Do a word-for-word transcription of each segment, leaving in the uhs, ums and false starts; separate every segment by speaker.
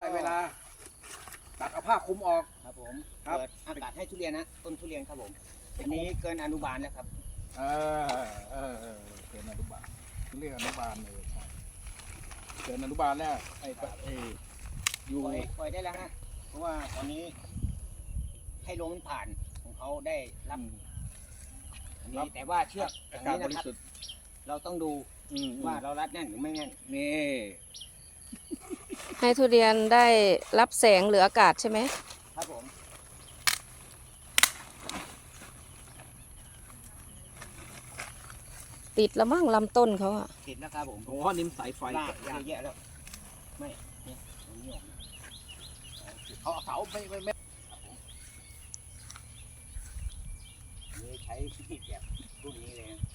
Speaker 1: เวลาตัดเอาผ้าคลุมออก
Speaker 2: ครับผม
Speaker 1: ครับ
Speaker 2: เปิดอากาศให้ทุเรียนนะต้นทุเรียนครับผมอันนี้เกินอนุบาลแล้วครับ
Speaker 1: เออเออเออเกินอนุบาลเรียกอนุบาลเลยใช่เกินอนุบาลแล้วไอ้ไอ้อยู่
Speaker 2: ปล่อยปล่อยได้แล้วฮะเพราะว่าตอนนี้ให้ลมมันผ่านของเขาได้รับอันนี้แต่ว่าเชือกอ
Speaker 1: อา
Speaker 2: ย่าง
Speaker 1: กาศ
Speaker 2: นี้
Speaker 1: บ
Speaker 2: นะ
Speaker 1: ริ
Speaker 2: ครับ
Speaker 1: สุทธิ์
Speaker 2: เราต้องดู
Speaker 1: อืม
Speaker 2: ว่าเรารัดแน่นหรือไม่แน่น
Speaker 1: นี่
Speaker 3: ให้ทุเรียนได้รับแสงหรืออากาศใช่ไหม
Speaker 2: ครับผม
Speaker 3: ติดแล้วมั่งลำต้นเขาอะ
Speaker 2: ติดแล้วครับผม
Speaker 1: โอ้นิ่มสายไฟ
Speaker 2: ลาก
Speaker 1: แกะยาก
Speaker 2: เยอะแยะแล้วไม่เนี่ยตรงนี้ออก
Speaker 1: เขาเอาเสาไม่ไม่ไม่
Speaker 2: อันนี้ใช้มีดแบบรุ่นนี้เลยนะ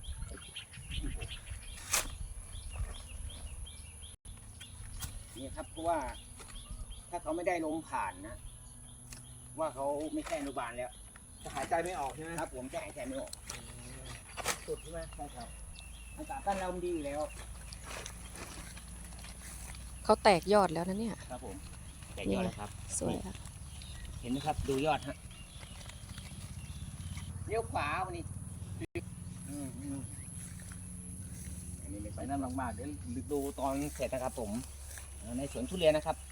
Speaker 2: นี่ครับเพราะว่าถ้าเขาไม่ได้ลมผ่านนะ ว่าเขาไม่ใช่อนุบาลแล้ว
Speaker 1: จะหายใจไม่ออกใช่ไหม
Speaker 2: ครับผมจะหายใจไม่ออก
Speaker 1: สุดใช่ไหมใช่ครับ
Speaker 2: อากาศบ้านเรามันดีอยู่แล้ว
Speaker 3: เขาแตกยอดแล้วนะเนี่ย
Speaker 2: ครับผมแต่ยอดแล้วครับ
Speaker 3: สวยอะ
Speaker 2: เห็นไหมครับดูยอดฮะเลี้ยวขวาวันนี้อืมอืมอันนี้ไม่
Speaker 1: ไป
Speaker 2: ใช่
Speaker 1: นั่นมากๆเดี๋ยว
Speaker 2: ดูตอนเสร็จนะครับผมในสวนทุเรียนนะครับ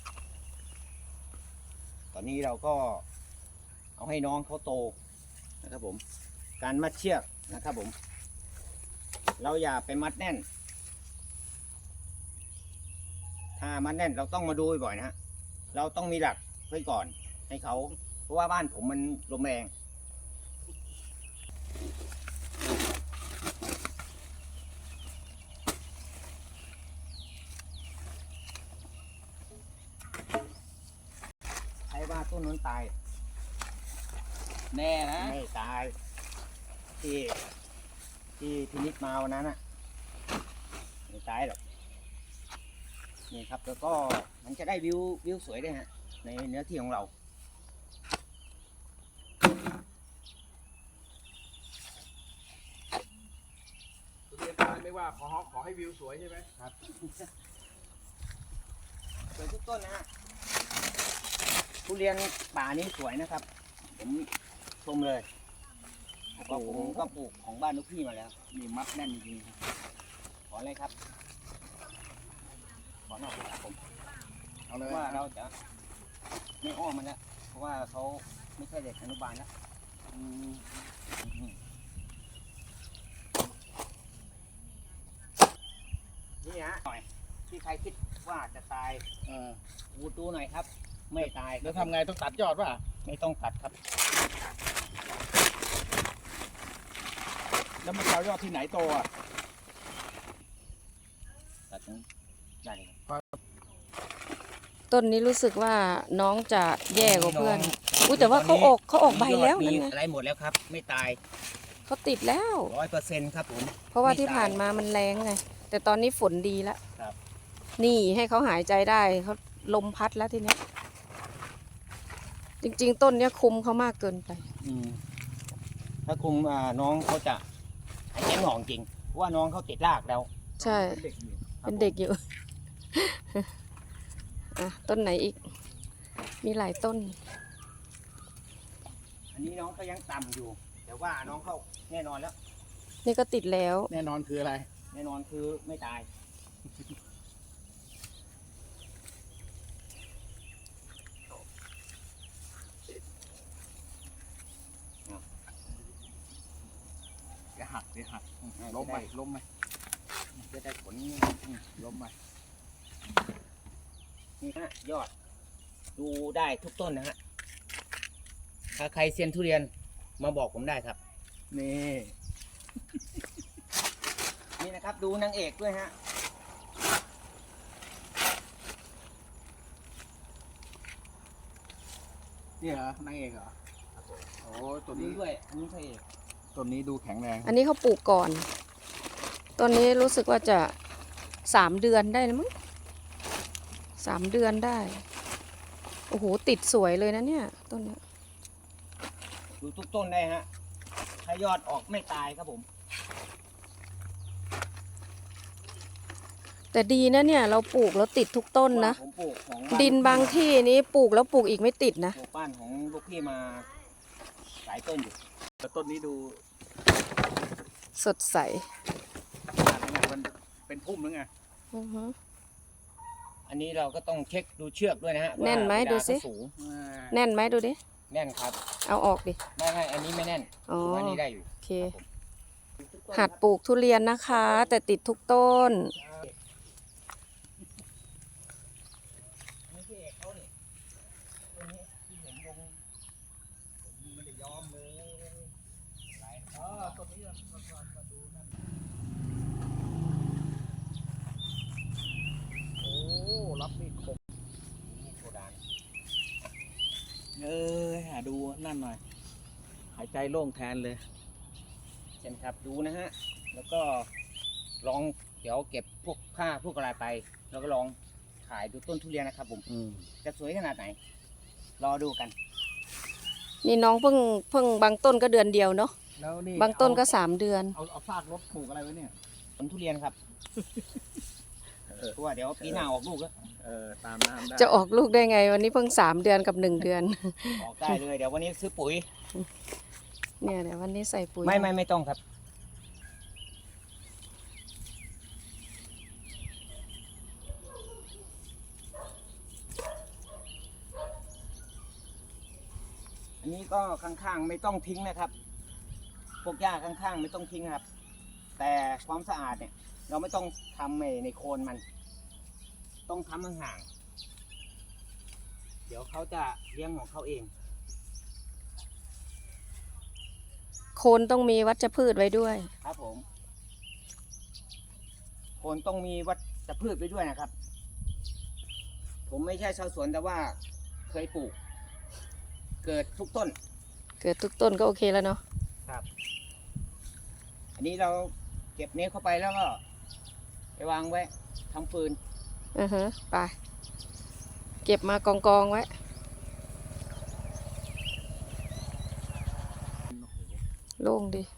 Speaker 2: ตอนนี้เราก็เอาให้น้องเขาโตนะครับผม การมัดเชือกนะครับผม เราอย่าไปมัดแน่น ถ้ามัดแน่นเราต้องมาดูบ่อยๆนะฮะเราต้องมีหลักไว้ก่อนให้เขา เพราะว่าบ้านผมมันลมแรงใช้ว่าต้นนั้นตาย
Speaker 1: แน่นะ
Speaker 2: ไม่ตาย ที่ที่พินิจมาวันนั้นอ่ะไม่ตายหรอกนี่ครับแล้วก็มันจะได้วิววิวสวยด้วยฮะในเนื้อที่ของเรา
Speaker 1: ทุเรียนตายไม่ว่าขอขอให้วิวสวยใช่ไหม
Speaker 2: ครับสวยทุกต้นนะฮะทุเรียนป่านี้สวยนะครับ ผมชมเลยเพราะผมก็ปลูกของบ้านลูกพี่มาแล้ว
Speaker 1: มีมัดแน่นจริงๆครับ
Speaker 2: ขออะไรครับ ขอนอกครับผม
Speaker 1: เอา
Speaker 2: เพ
Speaker 1: เลย
Speaker 2: ราะว่าเราจะไม่อ้อมมันแล้วเพราะว่าเขาไม่ใช่เด็กอนุบาลแล้วอืมนี่ฮะหน่อยที่ใครคิดว่าจะตาย
Speaker 1: เออ
Speaker 2: วูดูหน่อยครับ ไม่ตาย
Speaker 1: แล้วทำไงต้องตัดยอดป่ะ
Speaker 2: ไม่ต้องตัดครับ
Speaker 1: แล้วมันจะเอายอดที่ไหนโตอ่ะ
Speaker 2: ตัดตรงได้เลย
Speaker 3: ต้นนี้รู้สึกว่าน้องจะแย่กว่าเพื่อนอุ้ยแต่ว่าเขาออกเขาออกใบแล้ว
Speaker 2: มี
Speaker 3: นั่น
Speaker 2: ย
Speaker 3: ไง
Speaker 2: อดมีอะไรหมดแล้วครับ ไม่ตาย
Speaker 3: เขาติดแล้ว
Speaker 2: ร้อยเปอร์เซ็นต์ครับผม
Speaker 3: เพราะว่า
Speaker 2: ไม่
Speaker 3: ที่
Speaker 2: ตาย
Speaker 3: ผ่านมามันแรงไง แต่ตอนนี้ฝนดีแล้ว
Speaker 2: ครับ
Speaker 3: นี่ให้เขาหายใจได้เขาลมพัดแล้วทีเนี้ยจริง ๆ ต้นเนี้ยคุมเขามากเกินไป
Speaker 2: อืมถ้าคุมอ่าน้องเขาจะหายใจไม่ออกจริงเพราะว่าน้องเขาติดรากแล้ว
Speaker 3: ใช่
Speaker 1: เด็กอยู่
Speaker 3: เป็นเด็กอยู่ อ่ะต้นไหนอีก มีหลายต้น
Speaker 2: อันนี้น้องก็ยังต่ำอยู่ แต่ว่าน้องเขาแน่นอนแล้ว
Speaker 3: นี่ก็ติดแล้ว
Speaker 1: แน่นอนคืออะไร
Speaker 2: แน่นอนคือไม่ตาย
Speaker 1: เดี๋ยวหักเดี๋ยวหักล้มไปล้มไป
Speaker 2: จะได้ผล
Speaker 1: อืมล้มไป
Speaker 2: นี่ฮะยอด ดูได้ทุกต้นนะฮะ ถ้าใครเซียนทุเรียนมาบอกผมได้ครับ
Speaker 1: นี่
Speaker 2: นี่นะครับ ดูนางเอกด้วยฮะ
Speaker 1: นี่เหรอนางเอกเหรอโอ้ตัว
Speaker 2: ดู
Speaker 1: นี้
Speaker 2: ด้วยอันนี้พระเอก
Speaker 1: ตัวนี้ดูแข็งแรง
Speaker 3: อันนี้เขาปลูกก่อนต้นนี้รู้สึกว่าจะสามเดือนได้นะมั้งสามเดือนได้ โอ้โห ติดสวยเลยนะเนี่ยต้นเนี้ย
Speaker 2: ดูทุกต้นได้ฮะ ถ้ายอดออกไม่ตายครับผม
Speaker 3: แต่ดีนะเนี่ย เราปลูกแล้วติดทุกต้นนะ
Speaker 2: ผมปลูกของบ้
Speaker 3: ดินบางที่นี้ปลูกแล้วปลูกอีกไม่ติดนะ
Speaker 2: ปลูกบ้านของลูกพี่มาหลายต้นอยู่
Speaker 1: แต่ต้นนี้ดู
Speaker 3: สดใส
Speaker 1: มันเป็นพุ่มหรือไง
Speaker 3: อือฮึ
Speaker 2: อันนี้เราก็ต้องเช็คดูเชือกด้วยนะฮะ
Speaker 3: แน่นไหม
Speaker 2: ว่า
Speaker 3: ดูสิ
Speaker 2: เวลาเขาสูง
Speaker 3: แน่นไหมดูดิ
Speaker 2: แน่นครับ
Speaker 3: เอาออกดิ
Speaker 2: ไม่ไม่อันนี้ไม่แน่น
Speaker 3: อ๋อ
Speaker 2: อันนี้ได้อยู่
Speaker 3: โอเค หัดปลูกทุเรียนนะคะ แต่ติดทุกต้น
Speaker 2: นี่พี่เอกเขานี่ต้นนี้ที่เห็นลงผมไม่ได้ยอมเลยอะไร
Speaker 1: อ๋อต้นนี้มามาดูนั่นโอ้รับมีดคม
Speaker 2: นี่โซดา
Speaker 1: เออหาดูนั่นหน่อย หายใจโล่งแทนเลย
Speaker 2: เช่นครับดูนะฮะ แล้วก็ลองเดี๋ยวเก็บพวกผ้าพวกอะไรไป แล้วก็ลองถ่ายดูต้นทุเรียนนะครับผม
Speaker 1: อืม
Speaker 2: จะสวยขนาดไหน รอดูกัน
Speaker 3: นี่น้องเพิ่งเพิ่งบางต้นก็เดือนเดียวเนาะ
Speaker 1: แล้วนี่
Speaker 3: บางต้นก็
Speaker 1: เอ
Speaker 3: สามเดือน
Speaker 1: เอาเอาซากรถปลูกอะไรไว้เนี่ย
Speaker 2: ผลทุเรียนครับ
Speaker 1: เออ
Speaker 2: เพราะว่าเดี๋ยวปีหน้าออกลูกแล้ว
Speaker 1: เออตามน้ำได้
Speaker 3: จะออกลูกได้ไง วันนี้เพิ่งสามเดือนกับหนึ่งเดือน
Speaker 2: ออกได้เลย เดี๋ยววันนี้ซื้อปุ๋ย
Speaker 3: เนี่ยเดี๋ยววันนี้ใส่ปุ๋ย
Speaker 2: ไม่ไม่ไม่ต้องครับ อันนี้ก็ข้างๆไม่ต้องทิ้งนะครับ พวกหญ้าข้างๆไม่ต้องทิ้งครับ แต่ความสะอาดเนี่ย เราไม่ต้องทำในในโคนมัน ต้องทำห่างๆเดี๋ยวเขาจะเลี้ยงของเขาเอง
Speaker 3: โคนต้องมีวัชพืชไว้ด้วย
Speaker 2: ครับผม โคนต้องมีวัชพืชไปด้วยนะครับ ผมไม่ใช่ชาวสวนแต่ว่าเคยปลูก เกิดทุกต้น
Speaker 3: เกิดทุกต้นก็โอเคแล้วเนาะ
Speaker 2: ครับ อันนี้เราเก็บเนี้ยเข้าไปแล้วก็ ไปวางไว้ทำฟืน
Speaker 3: อือฮะไป เก็บมากองกองๆไว้ โล่งดี